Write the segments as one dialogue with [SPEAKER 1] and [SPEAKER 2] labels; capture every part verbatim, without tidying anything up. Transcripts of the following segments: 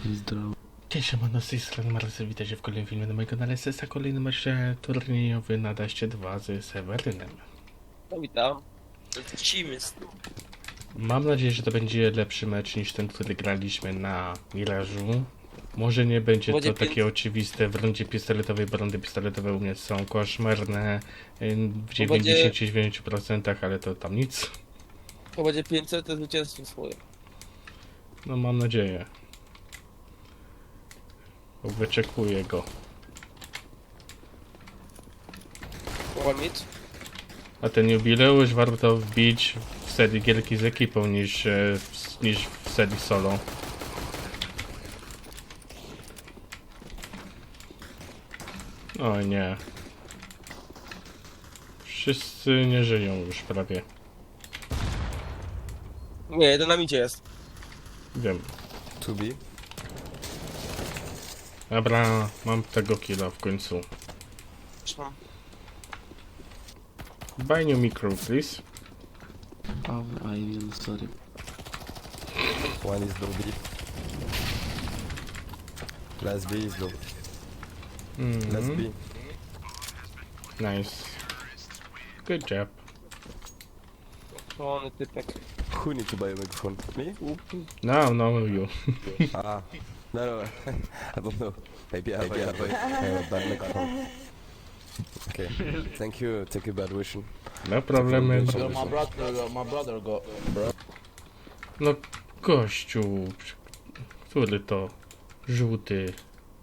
[SPEAKER 1] Zdrowo.
[SPEAKER 2] Cześć, siemano, z tej strony Marcel, witajcie w kolejnym filmie na moim kanale S S, a kolejny mecz turniejowy na Daście dwa z Sewerynem.
[SPEAKER 3] No witam. Lecimy z tym.
[SPEAKER 2] Mam nadzieję, że to będzie lepszy mecz niż ten, który graliśmy na Mirażu. Może nie będzie
[SPEAKER 3] Będzie
[SPEAKER 2] to
[SPEAKER 3] pięć-
[SPEAKER 2] takie oczywiste w rundzie pistoletowej, bo rundy pistoletowe u mnie są koszmarne ym, w dziewięćdziesięciu dziewięciu procentach, ale to tam nic.
[SPEAKER 3] To będzie pięćset zwycięstwo swoje.
[SPEAKER 2] No mam nadzieję. Wyczekuję go.
[SPEAKER 3] One mieć?
[SPEAKER 2] A ten jubileusz warto wbić w serii gierki z ekipą niż, e, w, niż w serii solo. O nie. Wszyscy nie żyją już prawie.
[SPEAKER 3] Nie, jeden na micie jest.
[SPEAKER 2] Wiem.
[SPEAKER 4] To be.
[SPEAKER 2] Dobra, mam tego killa w końcu.
[SPEAKER 3] Trzymam.
[SPEAKER 2] Buy new micro, please.
[SPEAKER 1] Oh, I will, sorry.
[SPEAKER 4] One is low B. Last B is low. Last
[SPEAKER 2] Mm,
[SPEAKER 4] B.
[SPEAKER 2] nice. Good job.
[SPEAKER 3] Szalony typek.
[SPEAKER 4] Who need to buy a microphone? Me?
[SPEAKER 2] No, no, you.
[SPEAKER 4] Ah. No, no. I don't know. Maybe I have, Maybe I have, a, I have a bad microphone. Okay. Thank you. Take a bad wishing.
[SPEAKER 2] No problemy.
[SPEAKER 4] Yo,
[SPEAKER 5] My brother, my brother got.
[SPEAKER 2] No, gościu. Który to? Żółty.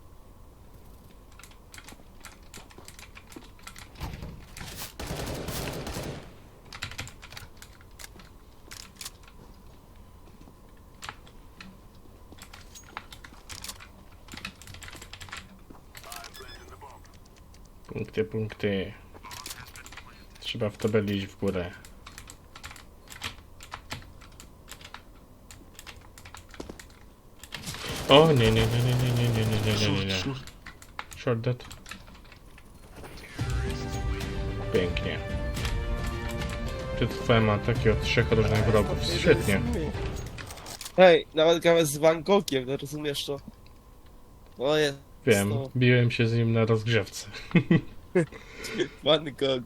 [SPEAKER 2] Punkty, punkty. Trzeba w tabeli iść w górę. O nie, nie, nie, nie, nie, nie, nie, nie, nie, nie, nie, nie. Short dead. Pięknie. Przetrwałem ataki od trzech różnych wrogów. Świetnie.
[SPEAKER 3] Hej, nawet gramy z Van Gogiem, no rozumiesz to? O jest.
[SPEAKER 2] Wiem,
[SPEAKER 3] No.
[SPEAKER 2] biłem się z nim na rozgrzewce.
[SPEAKER 3] Van Gogh.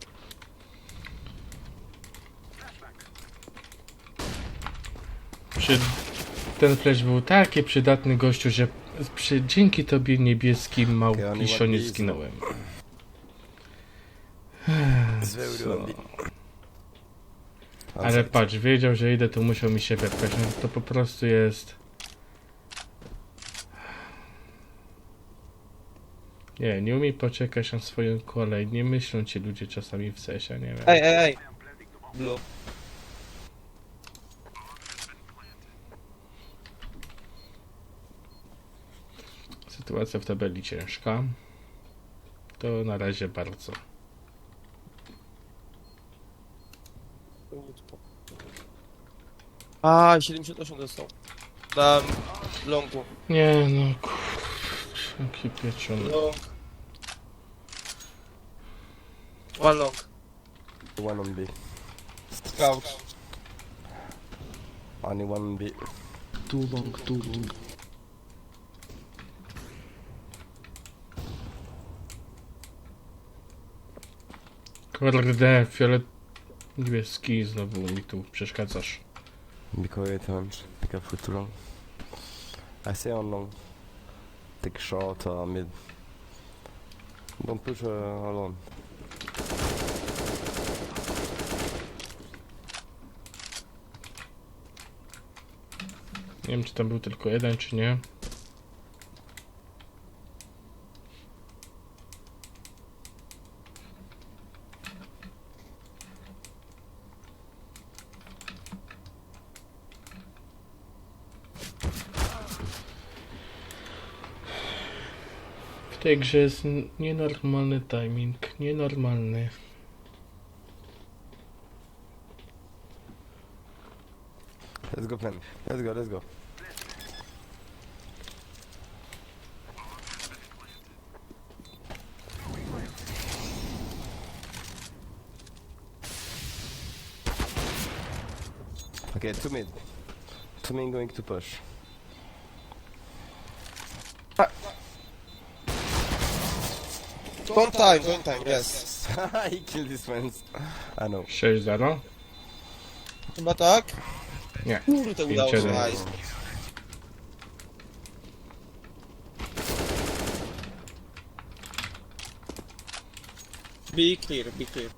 [SPEAKER 2] Przy... Ten flash był taki przydatny, gościu, że przy... dzięki tobie niebieski małpiszo nie zginąłem.
[SPEAKER 4] It's very low B.
[SPEAKER 2] Ale patrz, wiedział, że idę, to musiał mi się wepchać. No to po prostu jest... Nie, nie umie poczekać na swoją kolej. Nie myślą ci ludzie czasami w sesie, nie wiem.
[SPEAKER 3] Ej, ej, ej. Blue.
[SPEAKER 2] Sytuacja w tabeli ciężka. To na razie bardzo.
[SPEAKER 3] A, siedemdziesiąt osiem dostał. Na longu.
[SPEAKER 2] Nie no, kurczę, jaki pieczony.
[SPEAKER 3] Long. One long.
[SPEAKER 4] One on B.
[SPEAKER 3] Scout.
[SPEAKER 4] Only one on B.
[SPEAKER 1] Too long, too long.
[SPEAKER 2] Kurde, fiolet... Niebieski, znowu mi tu przeszkadzasz.
[SPEAKER 4] Be quiet and be careful too long. I say on long. Take short or mid. Don't push uh, alone.
[SPEAKER 2] Nie wiem, czy tam był tylko jeden, czy nie. W tej grze jest n- nienormalny timing, nienormalny.
[SPEAKER 4] Let's go plan. Let's go, let's go. Okay, two mid. Two main going to push.
[SPEAKER 3] Don't time, don't time, yes.
[SPEAKER 4] He killed his friends. I know.
[SPEAKER 2] sześć zero.
[SPEAKER 3] Chyba tak?
[SPEAKER 2] Nie.
[SPEAKER 3] Kurde, udało się,
[SPEAKER 2] jeden.
[SPEAKER 3] nice. Be clear, be clear.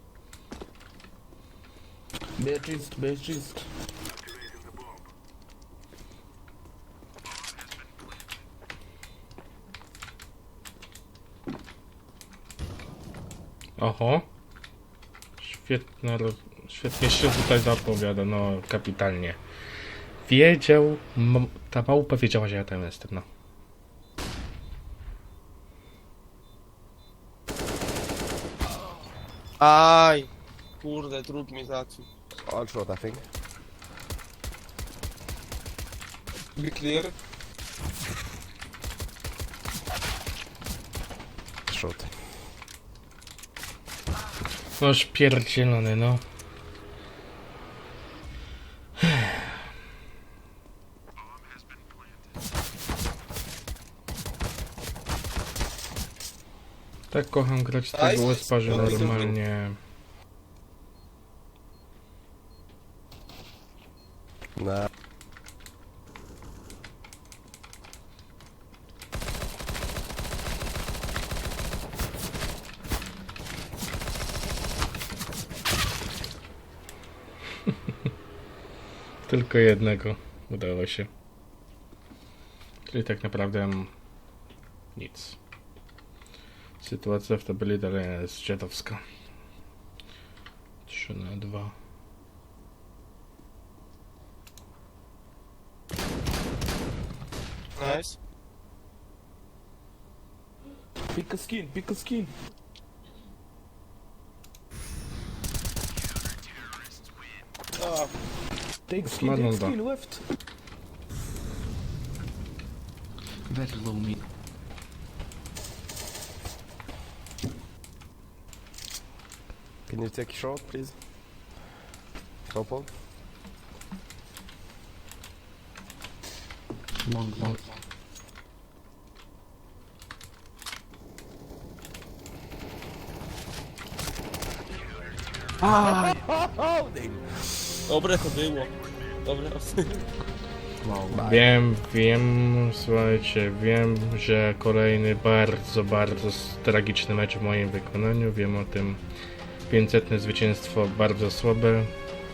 [SPEAKER 5] Beatrice, Beatrice.
[SPEAKER 2] Oho. Świetna, roz- świetnie się tutaj zapowiada, no kapitalnie. Wiedział, m- ta małpa wiedziała, że ja tam jestem, no.
[SPEAKER 3] Aj! Kurde, drut mi zacił.
[SPEAKER 4] All short, I think.
[SPEAKER 3] Be clear.
[SPEAKER 4] Short.
[SPEAKER 2] No śpierdzielony, no. Tak kocham grać tego
[SPEAKER 3] Nice.
[SPEAKER 2] łezpa, że
[SPEAKER 3] Dobry, dobry.
[SPEAKER 2] normalnie...
[SPEAKER 4] Nah.
[SPEAKER 2] Tylko jednego udało się. Czyli tak naprawdę mm, nic. Sytuacja w tabeli dalej jest dziadowska. trzy na dwa.
[SPEAKER 3] Nice.
[SPEAKER 5] Pick a skin, pick a skin.
[SPEAKER 3] Ah,
[SPEAKER 5] Take skin,
[SPEAKER 2] Smadną
[SPEAKER 5] take
[SPEAKER 2] to.
[SPEAKER 5] skin, left.
[SPEAKER 1] Very low mid.
[SPEAKER 4] Can you take short, please? Purple.
[SPEAKER 1] Long, long.
[SPEAKER 3] dobre to było. Dobre.
[SPEAKER 1] Wow.
[SPEAKER 2] Wiem, wiem, słuchajcie, wiem, że kolejny bardzo, bardzo s- tragiczny mecz w moim wykonaniu. Wiem o tym. pięćsetne zwycięstwo bardzo słabe.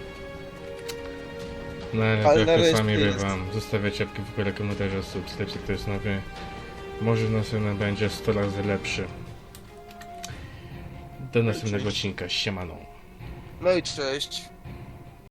[SPEAKER 2] No ale,
[SPEAKER 3] Ale
[SPEAKER 2] jak to
[SPEAKER 3] nareszcie
[SPEAKER 2] sami
[SPEAKER 3] jest.
[SPEAKER 2] bywam. Zostawiać łapki w górę, komentarze, subskrypcję, kto jest nowy. Może następny będzie sto razy lepszy. Do następnego odcinka. Siemano.
[SPEAKER 3] No i cześć.